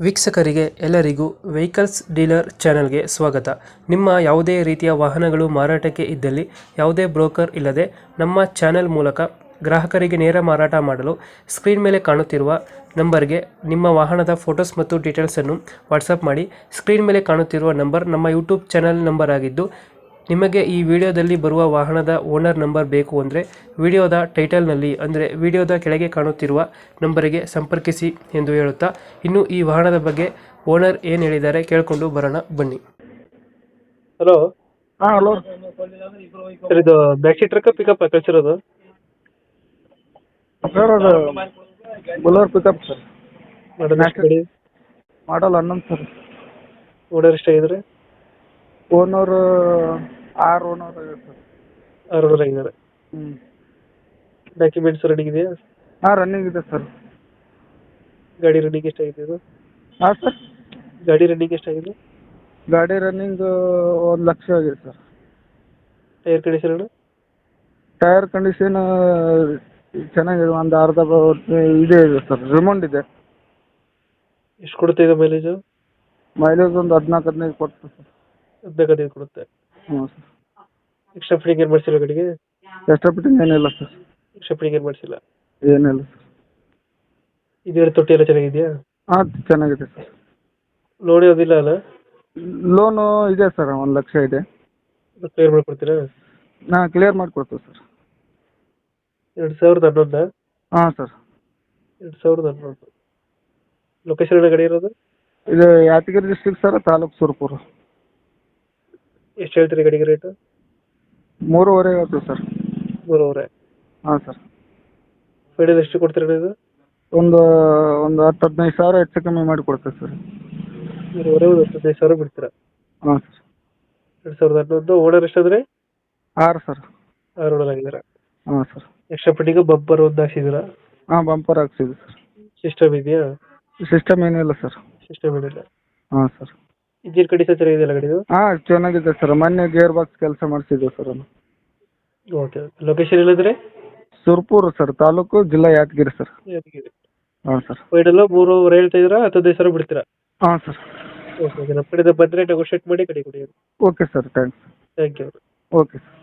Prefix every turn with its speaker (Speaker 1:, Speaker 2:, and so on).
Speaker 1: ವೀಕ್ಷಕರಿಗೆ ಎಲ್ಲರಿಗೂ vehicles dealer ಚಾನೆಲ್ಗೆ ಸ್ವಾಗತ. ನಿಮ್ಮ ಯಾವುದೇ ರೀತಿಯ ವಾಹನಗಳು ಮಾರಾಟಕ್ಕೆ ಇದ್ದಲ್ಲಿ ಯಾವುದೇ ಬ್ರೋಕರ್ ಇಲ್ಲದೆ ನಮ್ಮ ಚಾನೆಲ್ ಮೂಲಕ ಗ್ರಾಹಕರಿಗೆ ನೇರ ಮಾರಾಟ ಮಾಡಲು ಸ್ಕ್ರೀನ್ ಮೇಲೆ ಕಾಣುತ್ತಿರುವ ನಂಬರ್ಗೆ ನಿಮ್ಮ ವಾಹನದ ಫೋಟೋಸ್ ಮತ್ತು ಡೀಟೇಲ್ಸನ್ನು ವಾಟ್ಸಪ್ ಮಾಡಿ. ಸ್ಕ್ರೀನ್ ಮೇಲೆ ಕಾಣುತ್ತಿರುವ ನಂಬರ್ ನಮ್ಮ ಯೂಟ್ಯೂಬ್ ಚಾನೆಲ್ ನಂಬರ್ ಆಗಿದ್ದು, ನಿಮಗೆ ಈ ವಿಡಿಯೋದಲ್ಲಿ ಬರುವ ವಾಹನದ ಓನರ್ ನಂಬರ್ ಬೇಕು ಅಂದರೆ ವಿಡಿಯೋದ ಟೈಟಲ್ನಲ್ಲಿ ಅಂದರೆ ವಿಡಿಯೋದ ಕೆಳಗೆ ಕಾಣುತ್ತಿರುವ ನಂಬರಿಗೆ ಸಂಪರ್ಕಿಸಿ ಎಂದು ಹೇಳುತ್ತಾ, ಇನ್ನು ಈ ವಾಹನದ ಬಗ್ಗೆ ಓನರ್ ಏನು ಹೇಳಿದ್ದಾರೆ ಕೇಳಿಕೊಂಡು ಬರೋಣ ಬನ್ನಿ. ಹಲೋ.
Speaker 2: ಹಾಂ ಹಲೋ
Speaker 1: ಸರ್, ಇದು ಬ್ಯಾಕ್ ಸೀಟ್ ಟ್ರಕ್ ಪಿಕಪ್ ಕಳಿಸಿರೋದು?
Speaker 2: ಸರ್ ಅದು Bolero pickup sir. Model 11 sir.
Speaker 1: Owner ಎಷ್ಟಾಗಿದ್ದಾರೆ?
Speaker 2: ಓನರ್ 6 ಓನರ್ ಆಗಿದೆ ಸರ್.
Speaker 1: 6 ಓನರ್ ಆಗಿದ್ದಾರೆ. ಡಾಕ್ಯುಮೆಂಟ್ಸ್ ರನ್ನಿಂಗ್ ಇದೆಯಾ?
Speaker 2: ಹಾಂ ರನ್ನಿಂಗ್ ಇದೆ ಸರ್.
Speaker 1: ಗಾಡಿ ರನ್ನಿಂಗ್ ಎಷ್ಟಾಗಿದೆ ಇದು?
Speaker 2: ಹಾಂ ಸರ್.
Speaker 1: ಗಾಡಿ ರನ್ನಿಂಗ್ ಎಷ್ಟಾಗಿದೆ?
Speaker 2: ಗಾಡಿ ರನ್ನಿಂಗ್ 1 ಲಕ್ಷ ಆಗಿದೆ sir.
Speaker 1: Tyre condition?
Speaker 2: Tyre condition ಚೆನ್ನಾಗಿದೆ, ಒಂದು ಅರ್ಧ ಇದೆ ಸರ್, ರಿಮೌಂಡ್ ಇದೆ.
Speaker 1: ಎಷ್ಟು ಕೊಡುತ್ತೆ ಇದು ಮೈಲೇಜು?
Speaker 2: ಮೈಲೇಜ್ ಒಂದು 14-15 ಕೊಡ್ತದೆ ಸರ್.
Speaker 1: 15 ಕೊಡುತ್ತೆ.
Speaker 2: ಹ್ಞೂ ಸರ್.
Speaker 1: ಎಕ್ಸ್ಟ್ರಾ ಫಿಟ್ಟಿಂಗ್ ಏನು ಮಾಡಿಸಿಲ್ಲ ಗಾಡಿಗೆ?
Speaker 2: ಎಕ್ಸ್ಟ್ರಾ ಫಿಟ್ಟಿಂಗ್ ಏನಿಲ್ಲ ಸರ್.
Speaker 1: ಎಕ್ಸ್ಟ್ರಾ ಫಿಟ್ಟಿಂಗ್ ಏನು ಮಾಡಿಸಿಲ್ಲ?
Speaker 2: ಏನಿಲ್ಲ ಸರ್.
Speaker 1: ಇದು ತೊಟ್ಟಿ ಎಲ್ಲ ಚೆನ್ನಾಗಿದೆಯಾ?
Speaker 2: ಹಾಂ ಚೆನ್ನಾಗಿದೆ ಸರ್.
Speaker 1: ಲೋನ್ ಯಾವುದಿಲ್ಲ ಅಲ್ಲ?
Speaker 2: ಲೋನು ಇದೆ ಸರ್, 1 ಲಕ್ಷ ಇದೆ.
Speaker 1: ಕ್ಲಿಯರ್ ಮಾಡಿಕೊಡ್ತೀರಾ?
Speaker 2: ಹಾಂ ಕ್ಲಿಯರ್ ಮಾಡಿಕೊಡ್ತೀವಿ ಸರ್.
Speaker 1: 2011?
Speaker 2: ಹಾಂ ಸರ್.
Speaker 1: 2011. ಲೊಕೇಶನ್ ಗಾಡಿ ಇರೋದು?
Speaker 2: ಇದು ಯಾದಗಿರಿ ಡಿಸ್ಟ್ರಿಕ್ಟ್ ಸರ್, ತಾಲೂಕು ಸುರಪುರ.
Speaker 1: ಎಷ್ಟು ಹೇಳ್ತೀರಿ ಗಾಡಿಗೆ ರೇಟು?
Speaker 2: 3.5 ಹೇಳ್ತೀವಿ ಸರ್.
Speaker 1: 3.5?
Speaker 2: ಹಾಂ ಸರ್.
Speaker 1: ಫೈನಲ್ ಎಷ್ಟು ಕೊಡ್ತೀರಾ ಇದು?
Speaker 2: ಒಂದು 10-15 ಸಾವಿರ ಹೆಚ್ಚು ಕಮ್ಮಿ ಮಾಡಿ ಕೊಡ್ತೇವೆ ಸರ್.
Speaker 1: 3.5 15,000 ಬಿಡ್ತೀರಾ?
Speaker 2: ಹಾಂ ಸರ್.
Speaker 1: 2011. ಓನರ್ ಎಷ್ಟಾದ್ರೆ?
Speaker 2: 6 ಸರ್.
Speaker 1: 6 ಓನರ್ ಆಗಿದ್ದಾರೆ.
Speaker 2: ಹಾಂ ಸರ್.
Speaker 1: ಎಕ್ಸ್ಟ್ರಾ ಫಿಟ್ಟಿಂಗು ಬಂಪರ್ ಒಂದು ಹಾಕ್ಸಿದ್ದೀರಾ?
Speaker 2: ಹಾಂ ಬಂಪರ್ ಹಾಕ್ಸಿದ್ವಿ ಸರ್.
Speaker 1: ಸಿಸ್ಟಮ್ ಇದೆಯಾ?
Speaker 2: ಸಿಸ್ಟಮ್ ಏನಿಲ್ಲ ಸರ್.
Speaker 1: ಸಿಸ್ಟಮ್ ಏನಿಲ್ಲ.
Speaker 2: ಹಾಂ ಸರ್.
Speaker 1: ಇಂಜಿನ್ ಕಂಡೀಷನ್ ಚೆನ್ನಾಗಿದೆಯಲ್ಲ ಗಾಡಿದು?
Speaker 2: ಹಾಂ ಚೆನ್ನಾಗಿದೆ ಸರ್, ಮೊನ್ನೆ ಗೇರ್ ಬಾಕ್ಸ್ ಕೆಲಸ ಮಾಡಿಸಿದ್ವಿ ಸರ್ ಅದು.
Speaker 1: ಓಕೆ. ಲೊಕೇಶನ್ ಹೇಳಿದ್ರೆ?
Speaker 2: ಸುರಪುರ ಸರ್, ತಾಲೂಕು ಜಿಲ್ಲಾ ಯಾದಗಿರಿ ಸರ್.
Speaker 1: ಯಾದಗಿರಿ.
Speaker 2: ಹಾಂ ಸರ್.
Speaker 1: ಫೈನಲ್ 3.5 ಹೇಳ್ತಾ ಇದ್ದೀರಾ? 15,000 ಬಿಡ್ತೀರಾ?
Speaker 2: ಹಾಂ ಸರ್.
Speaker 1: ಓಕೆ. ನಮ್ಮ ಕಡೆಯಿಂದ ಬಂದರೆ ನೆಗೋಷಿಯೇಟ್ ಮಾಡಿ ಗಾಡಿ ಕೊಡಿ.
Speaker 2: Okay sir, thanks.
Speaker 1: Thank you.
Speaker 2: Okay sir.